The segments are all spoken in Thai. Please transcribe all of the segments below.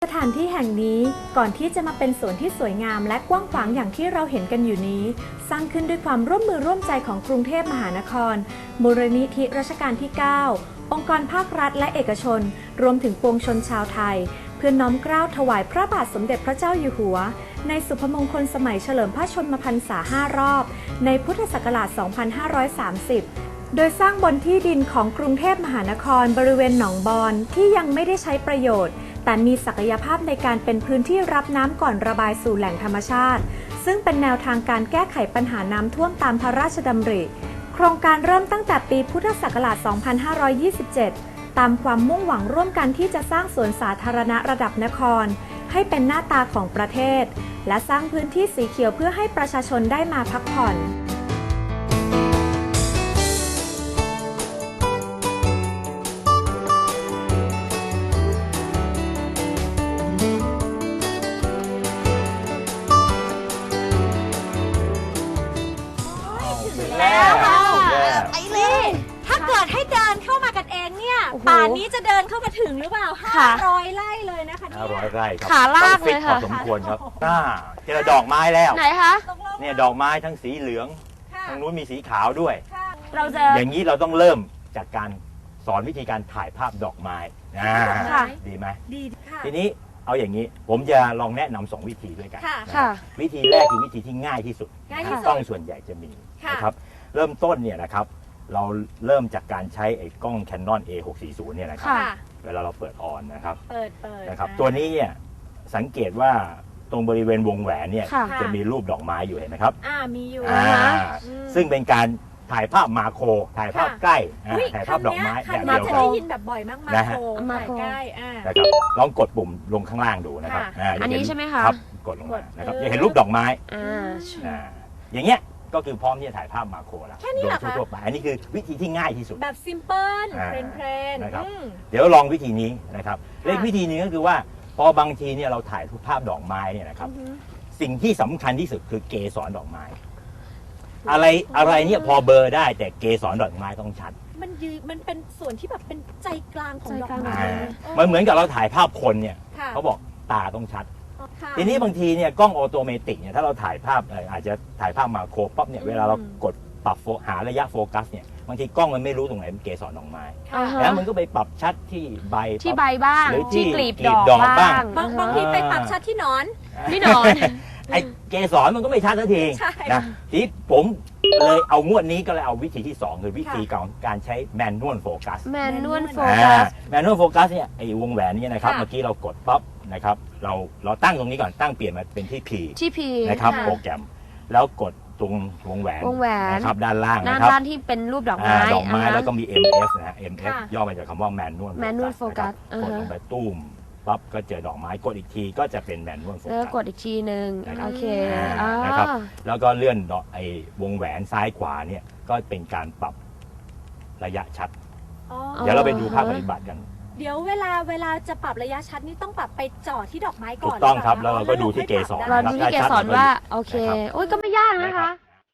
สถานที่แห่งนี้ก่อนที่จะมาเป็นสวนที่สวยงามและกว้างขวางอย่างที่เราเห็นกันอยู่นี้สร้างขึ้นด้วยความร่วมมือร่วมใจของกรุงเทพมหานครมูลนิธิรัชกาลที่ 9 องค์กรภาครัฐและเอกชนรวมถึงปวงชนชาวไทยเพื่อน้อมเกล้าถวายพระบาทสมเด็จพระเจ้าอยู่หัวในสุพมงคลสมัยเฉลิมพระชนมพรรษา 5 รอบในพุทธศักราช 2530 โดยสร้างบนที่ดินของกรุงเทพมหานครบริเวณหนองบอนที่ยังไม่ได้ใช้ประโยชน์แต่มีศักยภาพในการเป็นพื้นที่รับน้ำก่อนระบายสู่แหล่งธรรมชาติซึ่งเป็นแนวทางการแก้ไขปัญหาน้ำท่วมตามพระราชดำริโครงการเริ่มตั้งแต่ปีพุทธศักราช 2527 ตามความมุ่งหวังร่วมกันที่จะสร้างสวนสาธารณะระดับนครให้เป็นหน้าตาของประเทศและสร้างพื้นที่สีเขียวเพื่อให้ประชาชนได้มาพักผ่อนถ้าเกิดให้เดินเข้ามากันเองเนี่ยป่านนี้จะเดินเข้ามาถึงหรือเปล่า500 ไร่เลยนะคะเนี่ย 500 ไร่ครับขาลากเลยค่ะพอสมควรครับเจอดอกไม้แล้วไหนคะเนี่ยดอกไม้ทั้งสีเหลืองทางนู้นมีสีขาวด้วยเราจะอย่างนี้เราต้องเริ่มจากการสอนวิธีการถ่ายภาพดอกไม้ดีไหมดีค่ะทีนี้เอาอย่างนี้ผมจะลองแนะนำ2 วิธีด้วยกันวิธีแรกคือวิธีที่ง่ายที่สุดกล้องส่วนใหญ่จะมีนะครับเริ่มต้นเนี่ยนะครับเราเริ่มจากการใช้ไอ้กล้อง Canon A640 เนี่ยนะครับเวลาเราเปิดออนนะครับนะครับตัวนี้เนี่ยสังเกตว่าตรงบริเวณวงแหวนเนี่ยจะมีรูปดอกไม้อยู่เห็นไหมครับมีอยู่ซึ่งเป็นการถ่ายภาพมาโครถ่ายภาพใกล้ถ่ายภาพดอกไม้แบบเดียวกันได้ยินแบบบ่อยมากมาโครถ่ายใกล้นะครับลองกดปุ่มลงข้างล่างดูนะครับอันนี้ใช่ไหมคะครับกดลงมานะครับจะเห็นรูปดอกไม้อย่างเงี้ยก็คือพร้อมที่จะถ่ายภาพมาโครแล้วโดยทั่วไปอันนี้คือวิธีที่ง่ายที่สุดแบบซิมเพิลเพลนนะครับเดี๋ยวลองวิธีนี้นะครับเลขวิธีนี้ก็คือว่าพอบางทีเนี่ยเราถ่ายภาพดอกไม้เนี่ยนะครับสิ่งที่สำคัญที่สุดคือเกสรดอกไม้อะไรเนี่ยพอเบอร์ได้แต่เกสรดอกไม้ต้องชัดมันเป็นส่วนที่แบบเป็นใจกลางของดอกไม้มันเหมือนกับเราถ่ายภาพคนเนี่ยเขาบอกตาต้องชัดทีนี้บางทีเนี่ยกล้องออโตเมติกเนี่ยถ้าเราถ่ายภาพอาจจะถ่ายภาพมาโครปั๊บเนี่ยเวลาเรากดปรับหาระยะโฟกัสเนี่ยบางทีกล้องมันไม่รู้ตรงไหนเป็นเกสรดอกไม้แล้วมันก็ไปปรับชัดที่ใบบ้างหรือที่กลีบดอกบ้างบางทีไปปรับชัดที่หนอนไอเกสรมันก็ไม่ชัดสักทีนะทีผมเลยเอางวดนี้ก็เลยเอาวิธีที่2คือวิธีการใช้แมนนวลโฟกัสแมนนวลโฟกัสเนี่ยไอวงแหวนนี่นะครับเมื่อกี้เรากดปั๊บนะครับเราตั้งตรงนี้ก่อนตั้งเปลี่ยนมาเป็นที่ P นะครับโปรแกรมแล้วกดตรงวงแหวนนะครับด้านล่างนะครับด้านที่เป็นรูปดอกไม้แล้วก็มี MF นะ MF ย่อมาจากคำว่าแมนนวลโฟกัสกดลงไปตุ้มปั๊บก็เจอดอกไม้กดอีกทีก็จะเป็นแมนนวลโฟกัสกดอีกทีนึงโอเคนะครับแล้วก็เลื่อนไอ้วงแหวนซ้ายขวาเนี่ยก็เป็นการปรับระยะชัดเดี๋ยวเราไปดูภาพปฏิบัติกันเดี๋ยวเวลาจะปรับระยะชัดนี่ต้องปรับไปจ่อที่ดอกไม้ก่อนถูกต้องครับแล้วเราก็ดูที่เกสรเราดูที่เกสรว่าโอเคโอ้ยก็ไม่ยากนะคะ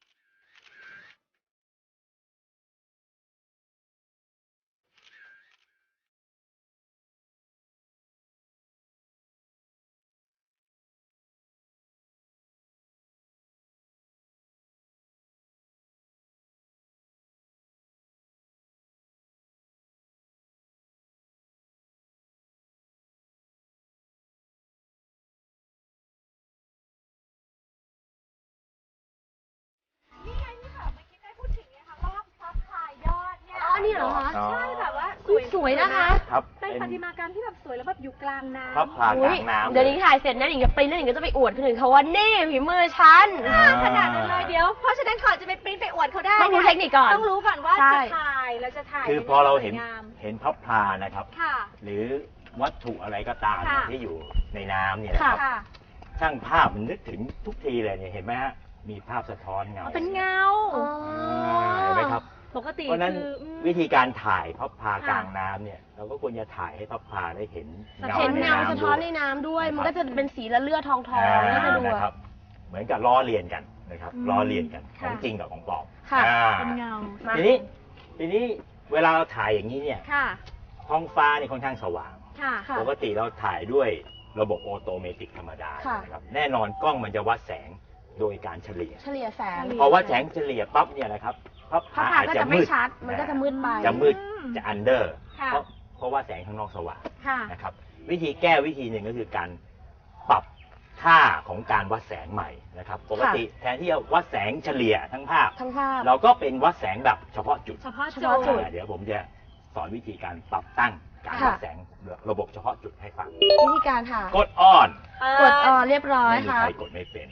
นี่เหรอคะใช่แบบว่าสวยนะคะเป็นประติมากรรมที่แบบสวยแล้วแบบอยู่กลางน้ำพับผ่ากลางน้ำเดี๋ยวนี้ถ่ายเสร็จนะหนิงจะปริ้นแล้วหนิงก็จะไปอวดคนอื่นเขาว่านี่ฝีมือฉันขนาดนั้นเลยเดี๋ยวเพราะฉะนั้นก่อนจะไปปริ้นไปอวดเขาได้ต้องรู้เทคนิคก่อนต้องรู้ก่อนว่าจะถ่ายเราจะถ่ายคือพอเราเห็นพับพลานะครับหรือวัตถุอะไรก็ตามที่อยู่ในน้ำเนี่ยนะครับช่างภาพมันนึกถึงทุกทีเลยเนี่ยเห็นไหมฮะมีภาพสะท้อนเงาเป็นเงาเห็นไหมครับปกติเพราะนั้นวิธีการถ่ายพับพากลางน้ำเนี่ยเราก็ควรจะถ่ายให้พับพาได้เห็นเงาสะท้อนในน้ำด้วยมันก็จะเป็นสีละเลือดทองก็จะดูนะครับเหมือนกับล้อเลียนกันนะครับล้อเลียนกันของจริงกับของปลอมเป็นเงาทีนี้เวลาเราถ่ายอย่างนี้เนี่ยท้องฟ้าเนี่ยค่อนข้างสว่างปกติเราถ่ายด้วยระบบออโตเมติกธรรมดาค่ะนะครับแน่นอนกล้องมันจะวัดแสงโดยการเฉลี่ยเฉลี่ยแสงพอวัดแสงเฉลี่ยปั๊บเนี่ยนะครับภาพภาพถ่ายก็อาจจะจะไม่มืดชัด มันก็จะมืดไปจะมืดจะอันเดอร์ค่ะเพราะว่าแสงข้างนอกสว่างค่ะนะครับวิธีแก้วิธีหนึ่งก็คือการปรับค่าของการวัดแสงใหม่นะครับปกติแทนที่จะวัดแสงเฉลี่ยทั้งภาพทั้งภาพเราก็เป็นวัดแสงแบบเฉพาะจุดเฉพาะเฉพาะจุดเดี๋ยวผมจะสอนวิธีการปรับตั้งการค่ะวัดแสงระบบเฉพาะจุดให้ฟังวิธีการค่ะกดอ่อนกดออเรียบร้อยไม่มีค่ะใครกดไม่เป็น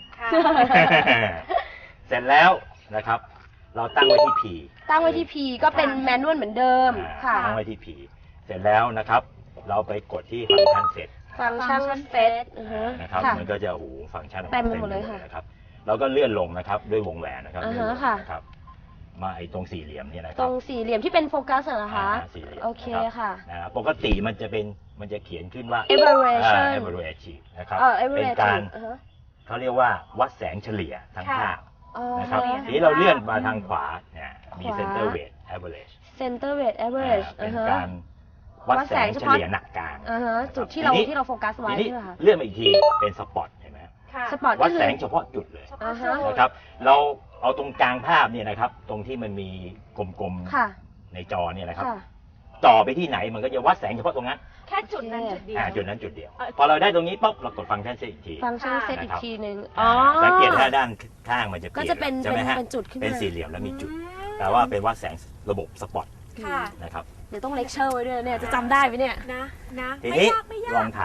เสร็จแล้วนะครับ เราตั้งไว้ที่ P ตั้งไว้ที่ P ก็เป็นแมนนวลเหมือนเดิมค่ะตั้งไว้ที่ P เสร็จแล้วนะครับ เราไปกดที่ฟังก์ชันเสร็จฟังก์ชันเซตนะครับค่ะมันก็จะฟังก์ชันของเต็มไปหมดเลยค่ะนะครับเราก็เลื่อนลงนะครับด้วยวงแหวนนะครับอ่าฮะเลื่อนลงค่ะนะครับมาไอ้ตรงสี่เหลี่ยมเนี่ยนะคตรัรงสี่เหลี่ยมที่เป็นโฟกัสเหรอคะสี่เหลี่ยมโอเคนะค่ะนะปกติมันจะเขียนขึ้นว่า Aberration average นะครับ เป็น average การอ่าฮะเขาเรียกว่าวัดแสงเฉลี่ยทั้งค่ะภาพอ๋อนะครับเฉลี่ยทีนี้เราเลื่อนมาทางขวาเนี่ยมีขวา center weight average center weight average เป็นอ่าฮะการวัดแสงเฉลี่ยหนักกลางอ่าฮะนะครับจุดที่เราทีนี้ที่เราโฟกัสไว้ทีนี้ใช่ไหมคะเลื่อนมาอีกทีเป็นสปอตเห็นไหมค่ะสปอตวัก็ดคือแสงเฉพาะจุดเลยอ่าฮะนะครับเราเอาตรงกลางภาพเนี่ยนะครับตรงที่มันมีกลมค่ะๆในจอเนี่ยนะครับค่ะต่อไปที่ไหนมันก็จะวัดแสงเฉพาะตรงนั้นแค่จุดนั้นจุดเดียวจุดนั้นจุดเดียว พอเราได้ตรงนี้ปุ๊บเรากดฟังก์ชันเซตอีกทีฟังก์ชันเซตนะอีกครับทีหนึ่งอ๋อสังเกตถ้าด้านข้างมันจะเปก็ลี่ยนจะเป็นใช่ไหมฮะเป็นจุดขึ้นมาเป็นสี่เหลี่ยมแล้วมีจุดแปลว่าเป็นวัดแสงระบบสปอตค่ะนะครับเดี๋ยวต้องเลคเชอร์ไว้ด้วยเนี่ยจะจำได้ไหมเนี่ยนะทีไม่นี้ยากไม่ยาลอก งถ่าย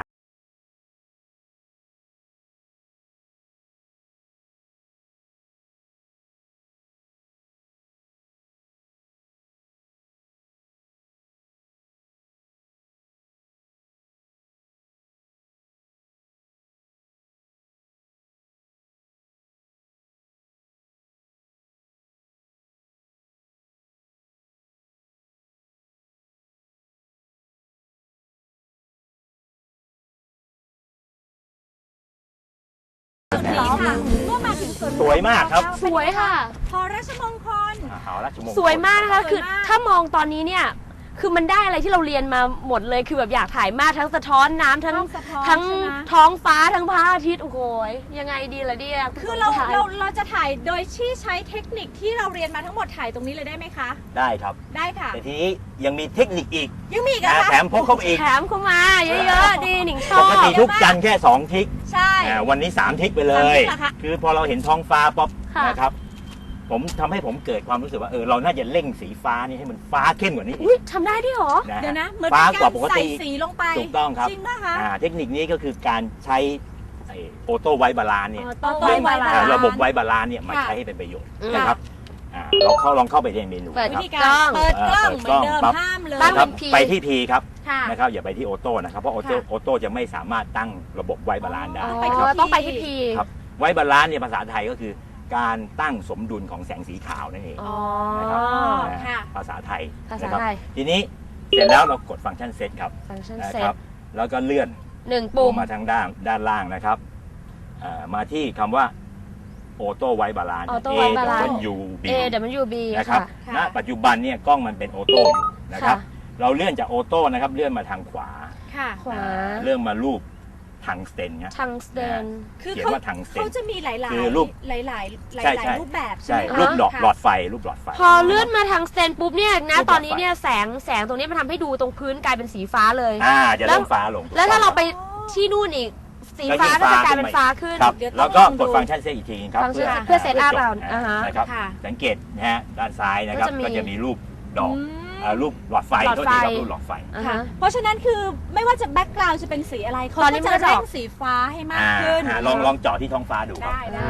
นี้ค่ะเมื่อมาถึงสวนสวยมากครับสวยค่ะพอราชมงคลเอาละชั่วโมงสวยมากนะคะสวยมากคือถ้ามองตอนนี้เนี่ยคือมันได้อะไรที่เราเรียนมาหมดเลยคือแบบอยากถ่ายมากทั้งสะท้อนน้ำทั้งสะท้อนทั้งใช่ไหมท้องฟ้าทั้งพระอาทิตย์โอ้โหยังไงดีล่ะเนี่ยคือเราถ่ยเราจะถ่ายโดยที่ใช้เทคนิคที่เราเรียนมาทั้งหมดถ่ายตรงนี้เลยได้ไหมคะได้ครับได้ค่ะแต่ทีนี้ยังมีเทคนิคอีกยังมีอีกเหรอนะคะแถมพกเข้าไปอีกแถมเข้ามาเยอะๆดีหนิงชปอบกติทุกจันทร์แค่2ทิกใช่วันนี้3ทิกไปเลย 3ทิกเหรอคะคือพอเราเห็นท้องฟ้าป๊อปค่ะนะครับผมทำให้ผมเกิดความรู้สึกว่าเราน่าจะเร่งสีฟ้านี่ให้มันฟ้าเข้มกว่านี้อีอุ๊ยกทำได้ด้วยเหรอนะเดี๋ยวฮะนะเหมือนฟ้าเป็นกว่าปกาก รใส่ติสีลงไปถูกต้องครับจริงป่ะคะเทคนิคนี้ก็คือการใช้ออโต้ไวบาลานเนี่ยต้องไว้บาลานซ์ระบบไวบาลานซ์เนี่ยมาค่ะใช้ให้เป็นประโยชน์อืมนะครับลองเข้าไปในเมนูเปิดนะวิครับธีการเปิดกล้องเปิเหมือนเดิมดกล้องปั๊บห้ามเลยตั้งนะครับเป็น P ไปที่ P ครับค่ะนะครับอย่าไปที่ออโต้นะครับเพราะออโต้ค่ะออโต้จะไม่สามารถตั้งระบบไวบาลานซ์ได้อ๋อไปที่นะครับต้องไปที่พีครับไวบาลานซ์เนี่ยภาษาไทยก็คือการตั้งสมดุลของแสงสีขาวนั่นเองอ๋อนะครับค่ะภาษาไทยภาษานะครับไทยทีนี้เสร็จแล้วเรากดฟังก์ชันเซตครับฟังก์ชันนะเซครัตบแล้วก็เลื่อนหนึ่งลปุ่มงมาทางด้านล่างนะครับมาที่คำว่าออโต้ไวบาลานซ์ Auto White Balance U B A W B นะครับค่ะณปัจจุบันเนี่ยกล้องมันเป็นออโต้อยู่นะครับค่ะเราเลื่อนจากออโต้นะครับเลื่อนมาทางขวาค่ะขวาเลื่อนมารูปทังสเตนเนี่ยทังสเตนคือเขียนเขาว่าทังสเตนเขาจะมีหลายๆคือรูปหลายๆใช่หลายใช่ๆรูปแบบใช่ใช่ไหมคะรูปหลอดค่ะหลอดไฟรูปหลอดไฟพอเลื่อนมาทางสเตนปุ๊บเนี่ยนะรูปหลอดไฟตอนนี้เนี่ยแสงตรงนี้มันทำให้ดูตรงพื้นกลายเป็นสีฟ้าเลยจะเริ่มฟ้าลงแล้วถ้าเราไปที่นู่นอีกสีฟ้าก็จะกลายเป็นฟ้าขึ้นครับเดี๋ยวต้องแล้วก็ลองดูกดฟังก์ชันเซตอีกทีครับฟังก์ชันเพื่อ set up เราอ่าฮะนะครับค่ะสังเกตนะฮะด้านซ้ายนะครับก็จะมีก็จะมีรูปดอกอืมรูปหลอดไฟหลอดก็ไฟดีครับรูปหลอดไฟอ่าค่ะฮะเพราะฉะนั้นคือไม่ว่าจะแบ็กกราวด์จะเป็นสีอะไรเขาตอนนี้ก็มันจะก็จะเร่ออกงสีฟ้าให้มากขึ้นลองเจาะที่ท้องฟ้าดูครับได้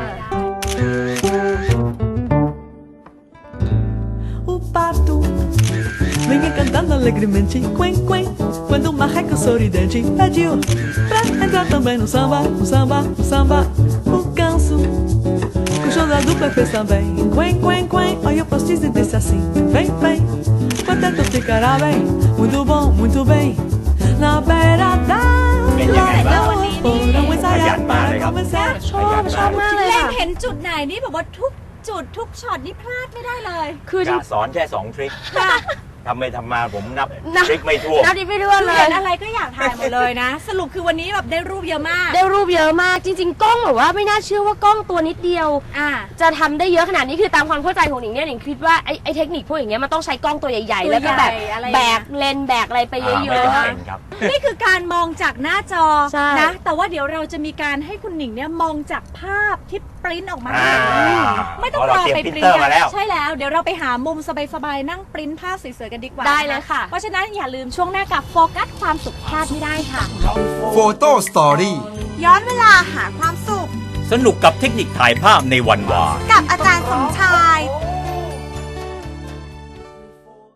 O pato vinha cantando alegremente, quen, quen, quando o marreco sorridente pediu pra entrar também no samba, no samba, no samba. O ganso, com o show da dupla fez também, quen, quen, quen. Olha o postiço e disse assim, vem, vem, contento ficará bem, muito bem, na beira da lagoa. Foram ensaiar para começar. ชอบมากเลยเล็งค่ะเห็นจุดไหนนี่แบบว่าทุกจุดทุกช็อตนี่พลาดไม่ได้เลยคือจริงสอนแค่2ทริคค่ะทำไปทำมาผมนับทริกไม่ทั่วนับดิไม่ด้วยเลเห็ยนอะไรก็อยากถ่ายหมดเลยนะ สรุปคือวันนี้แบบได้รูปเยอะมากได้รูปเยอะมากจริงๆกล้องแบบว่าไม่น่าเชื่อว่ากล้องตัวนิดเดียว จะทำได้เยอะขนาดนี้คือตามความเข้าใจของหนิงเนี่ยหนิงคิดว่าไอ้เทคนิคพวกอย่างเงี้ยมันต้องใช้กล้องตัวใหญ่ๆ แล้วก็แบบตัวใหญ่อะไรแบกเลนส์แบกอะไรไปเยไม่อะจำเป็นครับนี่คือการมองจากหน้าจอใช่นะ แต่ว่าเดี๋ยวเราจะมีการให้คุณหนิงเนี่ยมองจากภาพที่ปริ้นออกมา ไม่ต้องรอไปปริ้นมาแล้วใช่แล้ว เดี๋ยวเราไปหามุมสบายๆนั่งปริ้นภาพสวยๆกันดีกว่าได้เลยค่ะเพราะฉะนั้นอย่าลืมช่วงหน้ากับโฟกัสความสุขพลาดไม่ได้ค่ะโฟโต้สตอรี่ย้อนเวลาหาความสุขสนุกกับเทคนิคถ่ายภาพในวันวานกับอาจารย์สมชาย